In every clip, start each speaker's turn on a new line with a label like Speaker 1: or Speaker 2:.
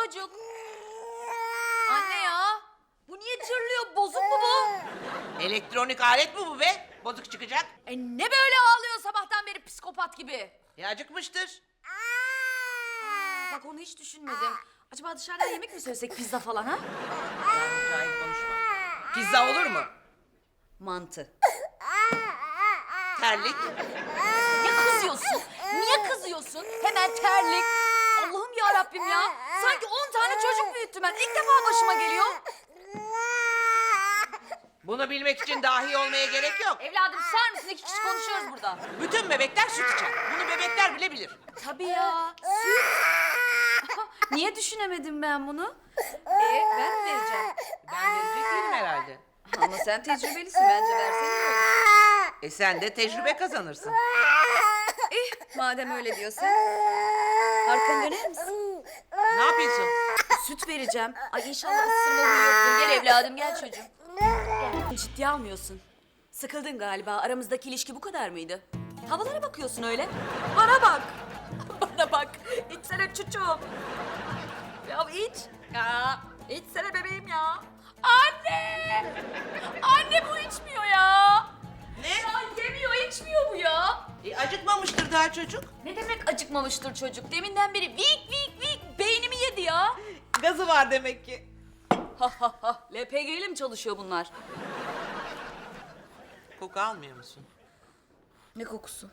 Speaker 1: çocuk. Anne ya. Bu niye çırlıyor? Bozuk mu bu?
Speaker 2: Elektronik alet mi bu be? Bozuk çıkacak.
Speaker 1: Ne böyle ağlıyor sabahtan beri psikopat gibi?
Speaker 2: Acıkmıştır.
Speaker 1: Bak onu hiç düşünmedim. Acaba dışarıdan yemek mi söylesek, pizza falan ha?
Speaker 2: Cahil konuşma. Pizza olur mu?
Speaker 1: Mantı.
Speaker 2: Terlik.
Speaker 1: Niye kızıyorsun? Niye kızıyorsun? Hemen terlik. Allah'ım ya Rabbim ya. Sanki 10 tane çocuk büyüttüm ben. İlk defa başıma geliyor.
Speaker 2: Bunu bilmek için dahi olmaya gerek yok.
Speaker 1: Evladım sar mısın? 2 kişi konuşuyoruz burada.
Speaker 2: Bütün bebekler süt içer. Bunu bebekler bile bilir.
Speaker 1: Tabii ya. Süt. Niye düşünemedim ben bunu? Ben mi vereceğim?
Speaker 2: Ben verecek değilim herhalde.
Speaker 1: Ama sen tecrübelisin, bence versene iyi olur.
Speaker 2: Sen de tecrübe kazanırsın.
Speaker 1: Madem öyle diyorsan. Arkanı döner misin?
Speaker 2: Ne yapıyorsun?
Speaker 1: Süt vereceğim. Ay inşallah ısırma huyu yoktur. Gel evladım, gel çocuğum. Gel. Ciddiye almıyorsun. Sıkıldın galiba. Aramızdaki ilişki bu kadar mıydı? Havalara bakıyorsun öyle. Bana bak. Bana bak. İçsene çocuğum. Ya iç. Ya içsene bebeğim ya. Anne! Anne bu içmiyor ya.
Speaker 2: Ne?
Speaker 1: Ya yemiyor, içmiyor bu ya.
Speaker 2: Acıkmamıştır daha çocuk.
Speaker 1: Ne demek acıkmamıştır çocuk? Deminden beri vik vik vik beynimi yedi ya.
Speaker 2: Gazı var demek ki.
Speaker 1: Ha ha ha. LPG'li mi çalışıyor bunlar?
Speaker 2: Koku almıyor musun?
Speaker 1: Ne kokusu?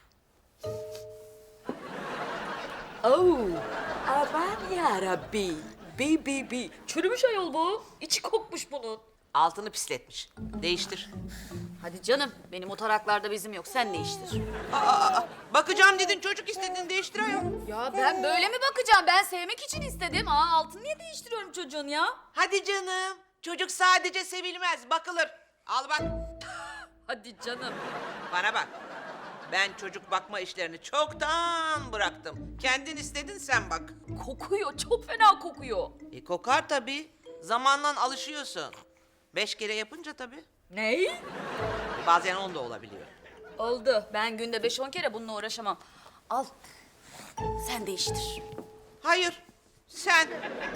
Speaker 1: Oo. Aman yarabbi. Bi. Çürümüş ayol bu. İçi kokmuş bunun.
Speaker 2: Altını pisletmiş. Değiştir.
Speaker 1: Hadi canım. Benim o taraklarda bezim yok. Sen değiştir.
Speaker 2: Bakacağım dedin, çocuk istedin, değiştir ayol.
Speaker 1: Ya ben böyle mi bakacağım? Ben sevmek için istedim. Altını niye değiştiriyorum çocuğun ya?
Speaker 2: Hadi canım. Çocuk sadece sevilmez, bakılır. Al bak.
Speaker 1: Hadi canım.
Speaker 2: Bana bak. Ben çocuk bakma işlerini çoktan bıraktım. Kendin istedin, sen bak.
Speaker 1: Kokuyor. Çok fena kokuyor.
Speaker 2: Kokar tabii. Zamanla alışıyorsun. 5 kere yapınca tabii.
Speaker 1: Ney?
Speaker 2: Bazen 10 da olabiliyor.
Speaker 1: Oldu. Ben günde 5-10 kere bununla uğraşamam. Al. Sen değiştir.
Speaker 2: Hayır. Sen.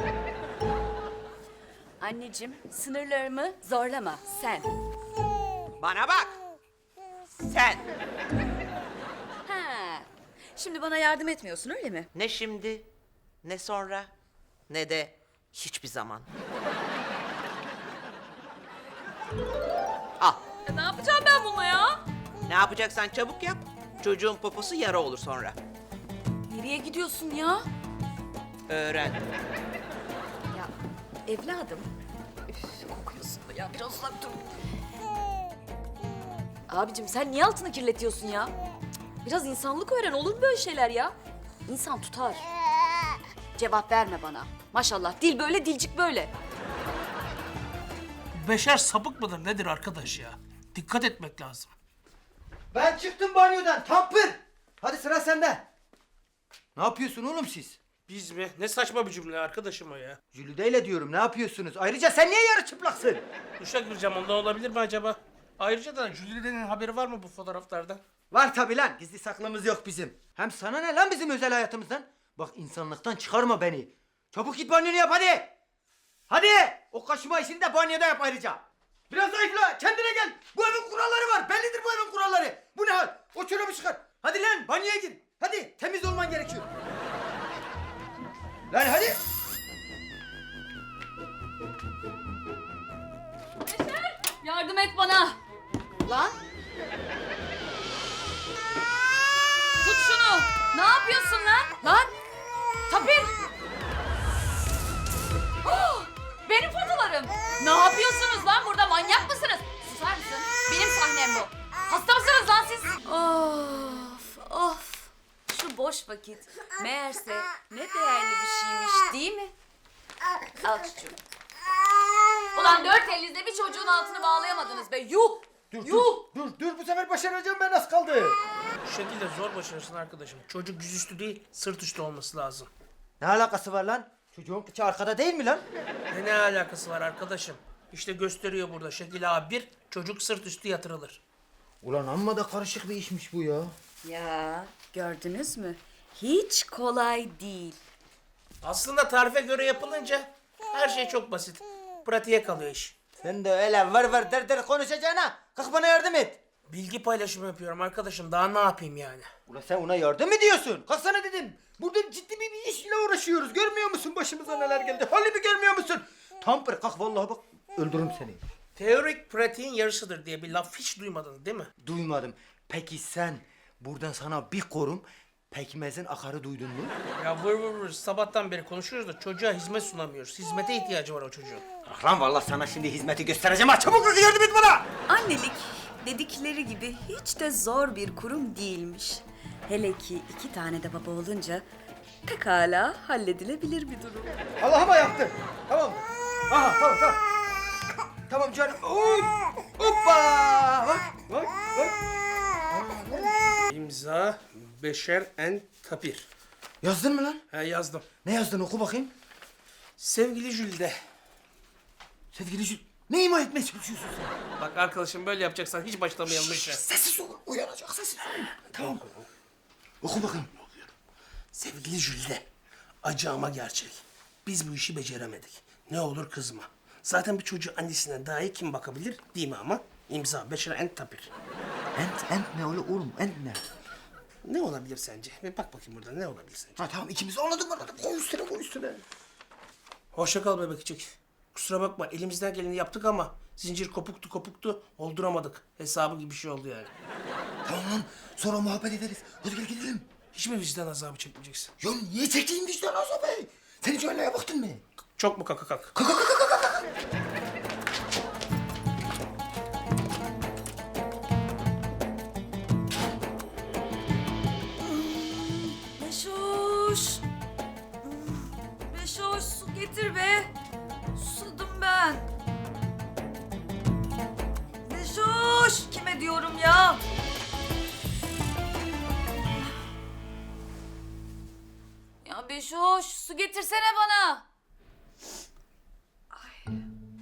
Speaker 1: Anneciğim, sınırlarımı zorlama. Sen.
Speaker 2: Bana bak. Sen.
Speaker 1: Ha. Şimdi bana yardım etmiyorsun öyle mi?
Speaker 2: Ne şimdi, ne sonra, ne de hiçbir zaman. Al.
Speaker 1: Ne yapacağım ben bununla ya?
Speaker 2: Ne yapacaksan çabuk yap. Çocuğun poposu yara olur sonra.
Speaker 1: Nereye gidiyorsun ya?
Speaker 2: Öğren.
Speaker 1: Ya evladım. Üf, kokuyorsun da ya. Biraz uzak dur. Abicim sen niye altını kirletiyorsun ya? Cık, biraz insanlık öğren. Olur mu böyle şeyler ya? İnsan tutar. Cevap verme bana. Maşallah dil böyle, dilcik böyle.
Speaker 3: Beşer sapık mıdır nedir arkadaş ya? Dikkat etmek lazım.
Speaker 4: Ben çıktım banyodan tampır. Hadi sıra sende. Ne yapıyorsun oğlum siz?
Speaker 3: Biz mi? Ne saçma bir cümle arkadaşım o ya.
Speaker 4: Jülide'yle diyorum ne yapıyorsunuz? Ayrıca sen niye yarı çıplaksın?
Speaker 3: Duşa gireceğim ondan olabilir mi acaba? Ayrıca da Jülide'nin haberi var mı bu fotoğraflardan?
Speaker 4: Var tabi lan gizli saklımız yok bizim. Hem sana ne lan bizim özel hayatımızdan? Bak insanlıktan çıkarma beni. Çabuk git banyonu yap hadi. Hadi o kaşıma işini de banyoda yap ayrıca. Biraz zayıfla kendine gel. Bu evin kuralları var bellidir bu evin kuralları. Bu ne hal? O çorabı çıkar. Hadi lan banyoya gir. Hadi temiz olman gerekiyor. Lan hadi.
Speaker 1: Yardım et bana. Lan. Tut şunu. Ne yapıyorsun lan? Lan. Tapir. Oh, benim fotolarım. Ne yapıyorsunuz lan burada? Manyak mısınız? Susar mısın? Benim sahnem bu. Hasta mısınız lan siz? Of. Şu boş vakit. Meğerse ne değerli bir şeymiş değil mi? Al çocuğum. Ulan 4 elinizle bir çocuğun altını bağlayamadınız be. Yuh!
Speaker 4: Dur bu sefer başaracağım ben az kaldı.
Speaker 3: Bu şekilde zor başarırsın arkadaşım. Çocuk yüzüstü değil, sırt üstü olması lazım.
Speaker 4: Ne alakası var lan? Çocuğun kıçı arkada değil mi lan?
Speaker 3: Ne alakası var arkadaşım? İşte gösteriyor burada şekil A1, çocuk sırt üstü yatırılır.
Speaker 4: Ulan amma da karışık bir işmiş bu ya.
Speaker 1: Ya gördünüz mü? Hiç kolay değil.
Speaker 3: Aslında tarife göre yapılınca her şey çok basit. Pratiğe kalıyor iş.
Speaker 4: Sen de öyle var der konuşacağına kalk bana yardım et.
Speaker 3: Bilgi paylaşımı yapıyorum arkadaşım. Daha ne yapayım yani?
Speaker 4: Ulan sen ona yardım mı ediyorsun? Kalksana dedim. Burada ciddi bir işle uğraşıyoruz. Görmüyor musun başımıza neler geldi? Halimi görmüyor musun? Tampır kalk vallahi bak öldürürüm seni.
Speaker 3: Teorik pratiğin yarısıdır diye bir laf hiç duymadın değil mi?
Speaker 4: Duymadım. Peki sen buradan sana bir korum pekmezin akarı duydun mu?
Speaker 3: Ya vır sabahtan beri konuşuyoruz da çocuğa hizmet sunamıyoruz. Hizmete ihtiyacı var o çocuğun.
Speaker 4: Ah lan vallahi sana şimdi hizmeti göstereceğim ha. Çabuk kalk yardım et bana.
Speaker 1: Annelik dedikleri gibi hiç de zor bir kurum değilmiş. Hele ki 2 tane de baba olunca pekala halledilebilir bir durum.
Speaker 4: Allah'ıma yaptın. Tamam. Aha tamam. Tamam canım. Hoppa. Bak.
Speaker 3: İmza Beşer en Tapir.
Speaker 4: Yazdın mı lan?
Speaker 3: He yazdım.
Speaker 4: Ne yazdın oku bakayım.
Speaker 3: Sevgili Jülde.
Speaker 4: Sevgili Jül. Ne ima etmeye çalışıyorsun sen?
Speaker 3: Bak arkadaşım böyle yapacaksan hiç başlamayalım işe.
Speaker 4: Sessiz ol. Uyanacak sessiz ol. Tamam. Oku bakayım.
Speaker 3: Sevgili Jülde. Acı ama gerçek. Biz bu işi beceremedik. Ne olur kızma. Zaten bir çocuğu annesine daha iyi kim bakabilir değil mi ama? İmza Beşer en Tapir.
Speaker 4: Ent ne oğlum? Ent ne?
Speaker 3: Ne olabilir sence? Bir bak bakayım burada ne olabilir sence?
Speaker 4: Ha tamam ikimiz anladık. Koy üstüne.
Speaker 3: Hoşça kal bebekçik. Kusura bakma elimizden geleni yaptık ama zincir kopuktu olduramadık. Hesabı gibi bir şey oldu yani.
Speaker 4: Tamam lan sonra muhabbet ederiz. Hadi gel gidelim.
Speaker 3: Hiç mi vicdan azabı çekmeyeceksin?
Speaker 4: Ya niye çekeyim vicdan azabı? Sen hiç öyle baktın mı?
Speaker 3: Çok mu kaka kak?
Speaker 1: Beşoş. Beşoş su getir be. Susadım ben. Beşoş. Kime diyorum ya? Ya Beşoş su getirsene bana. Ay.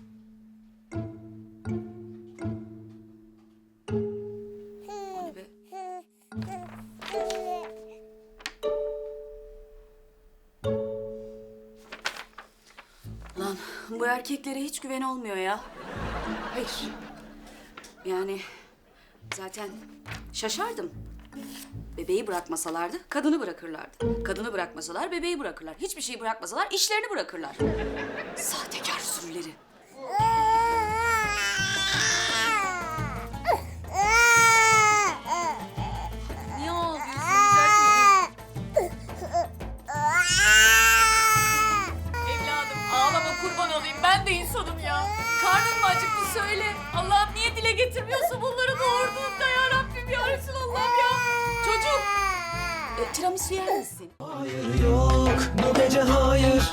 Speaker 1: O ne be? Lan bu erkeklere hiç güven olmuyor ya. Hayır. Yani zaten şaşardım. Bebeği bırakmasalardı kadını bırakırlardı. Kadını bırakmasalar bebeği bırakırlar. Hiçbir şey bırakmasalar işlerini bırakırlar. Sahtekar sürüleri. Niye ağlıyorsun güzel çocuğum? Evladım ağlama kurban olayım. Ben de insanım ya. Karnın mı acıktı söyle. Allah'ım niye dile getirmiyorsun bunları doğurduğunda ya Rabbim ya Resulallah'ım ya. Çocuğum. Tiramisu yer misin?
Speaker 5: Hayır yok bu gece hayır